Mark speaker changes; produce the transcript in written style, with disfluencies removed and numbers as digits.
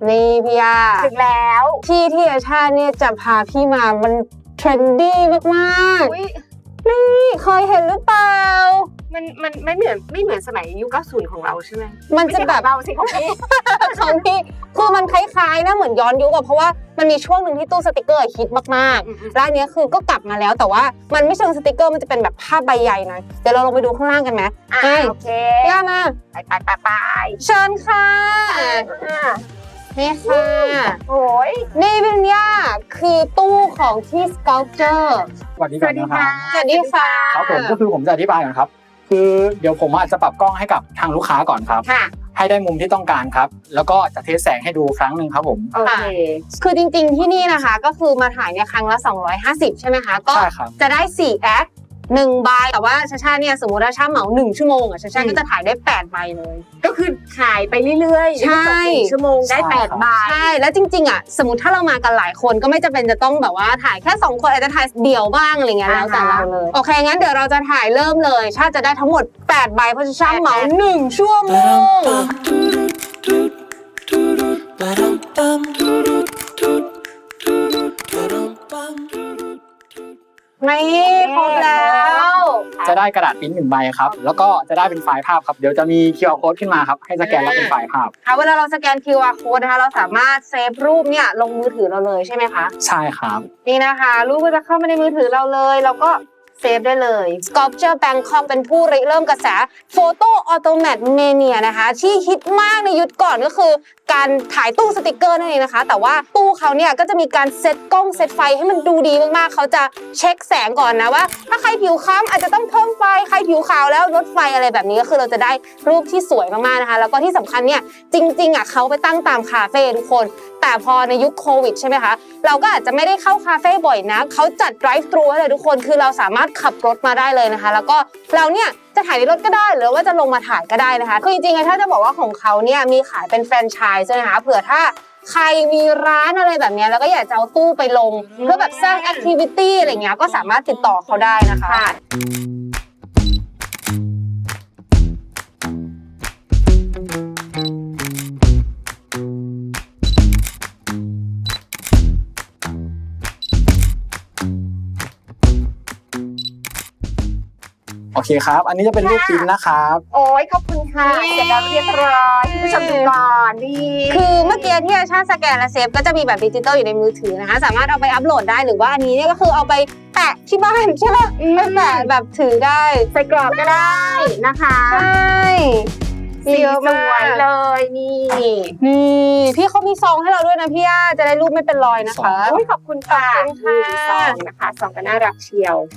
Speaker 1: นี่พี่ยา
Speaker 2: ถึงแล้ว
Speaker 1: ที่อาชาเนี่ยจะพาพี่มามันเทรนดี้มากๆนี่เคยเห็นหรือเปล่า
Speaker 2: มันไม่เหมือนสมัยยุค90ของเราใช่ไหม
Speaker 1: มันจะแบบ
Speaker 2: เราสิของพี่
Speaker 1: ของพี่คือมันคล้ายๆนะเหมือนย้อนยุคอะเพราะว่ามันมีช่วงหนึ่งที่ตู้สติกเกอร์ฮิตมากๆร้านนี้คือก็กลับมาแล้วแต่ว่ามันไม่เชิงสติกเกอร์มันจะเป็นแบบภาพใบใหญ่นะเดี๋ยวเราลงไปดูข้างล่างกันไหม
Speaker 2: โอเค
Speaker 1: ย่ามา
Speaker 2: ไป
Speaker 1: เชิญค่ะนี่ค่ะ
Speaker 2: โอ้ย
Speaker 1: นี่เป็นย่าคือตู้ของที่ Sculpture
Speaker 3: สวัสดีครับ
Speaker 1: สวัสดีค่ะ
Speaker 3: ครับผมก็คือผมจะอธิบายก่อนครับคือเดี๋ยวผมอาจจะปรับกล้องให้กับทางลูกค้าก่อนครับให้ได้มุมที่ต้องการครับแล้วก็จะเทสแสงให้ดูครั้งหนึ่งครับผม
Speaker 2: โอเค
Speaker 1: คือจริงๆที่นี่นะคะก็คือมาถ่ายเนี่ยครั้งละ250ใช่ไหมคะก็จะได้4แอค1 ใบแต่ว่าชาเนี่ยสมมติว่าชาเหมา1 ชั่วโมงอ่ะชาก็จะถ่ายได้8 ใบเลย
Speaker 2: ก็คือถ่ายไปเรื่อยๆ
Speaker 1: ใช่
Speaker 2: 1 ชั่วโมงได้8 ใบ
Speaker 1: ใช่แล้วจริงๆอ่ะสมมติถ้าเรามากันหลายคนก็ไม่จำเป็นจะต้องแบบว่าถ่ายแค่2 คนอาจจะถ่ายเดี่ยวบ้างอะไรเงี้ยแล้วแต่เราเลยโอเคงั้นเดี๋ยวเราจะถ่ายเริ่มเลยชาจะได้ทั้งหมด8 ใบเพราะชาเหมา1 ชั่วโมงนี่ครบแล้ว
Speaker 3: จะได้กระดาษปริ้น1 ใบครับแล้วก็จะได้เป็นไฟล์ภาพครับเดี๋ยวจะมี QR code ขึ้นมาครับให้สแกนแล้วเป็นไฟล์ภาพ
Speaker 1: เวลาเราสแกน QR code นะคะเราสามารถเซฟรูปเนี่ยลงมือถือเราเลยใช่ไหมคะ
Speaker 3: ใช่ครับ
Speaker 1: นี่นะคะรูปก็จะเข้ามาในมือถือเราเลยเราก็เซฟได้เลย Sculpture Bangkok เป็นผู้ริเริ่มกระแส Photo Automat Mania นะคะที่ฮิตมากในยุคก่อนก็คือการถ่ายตู้สติกเกอร์นั่นเองนะคะแต่ว่าตู้เขาเนี่ยก็จะมีการเซตกล้องเซตไฟให้มันดูดีมากๆเขาจะเช็คแสงก่อนนะว่าถ้าใครผิวคล้ำอาจจะต้องเพิ่มไฟใครผิวขาวแล้วลดไฟอะไรแบบนี้ก็คือเราจะได้รูปที่สวยมากๆนะคะแล้วก็ที่สำคัญเนี่ยจริงๆอ่ะเขาไปตั้งตามคาเฟ่ทุกคนแต่พอในยุคโควิดใช่ไหมคะเราก็อาจจะไม่ได้เข้าคาเฟ่บ่อยนะเขาจัด drive thru ให้เลยทุกคนคือเราสามารถขับรถมาได้เลยนะคะแล้วก็เราเนี่ยจะถ่ายในรถก็ได้หรือว่าจะลงมาถ่ายก็ได้นะคะคือจริงๆถ้าจะบอกว่าของเขาเนี่ยมีขายเป็นแฟรนไชส์นะคะเผื่อถ้าใครมีร้านอะไรแบบนี้แล้วก็อยากจะเอาตู้ไปลงเพื่อแบบสร้างแอคทิวิตี้อะไรเงี้ยก็สามารถติดต่อเขาได้นะคะ
Speaker 3: โอเคครับอันนี้จะเป็นรูปปริ้นนะครับ
Speaker 2: โอ้ยขอบคุณค่ะเสร็จแล้วเรียบร้อยผู้ชมดูก่อนดี
Speaker 1: คือเมื่อกี้ที่อาชาสแกนและเซฟก็จะมีแบบดิจิตอลอยู่ในมือถือนะคะสามารถเอาไปอัปโหลดได้หรือว่าอันนี้เนี่ยก็คือเอาไปแปะที่บ้านใช่ไหมไม่แปะแบบถือได้
Speaker 2: ใส่กรอบก็ได้นะคะ
Speaker 1: ใช่
Speaker 2: สีสวยเลยนี่
Speaker 1: พี่เขามีซองให้เราด้วยนะพี่ย่าจะได้รูปไม่เป็นรอยนะคะ
Speaker 2: ขอบคุณค่ะซองนะคะซองก็น่ารักเชียว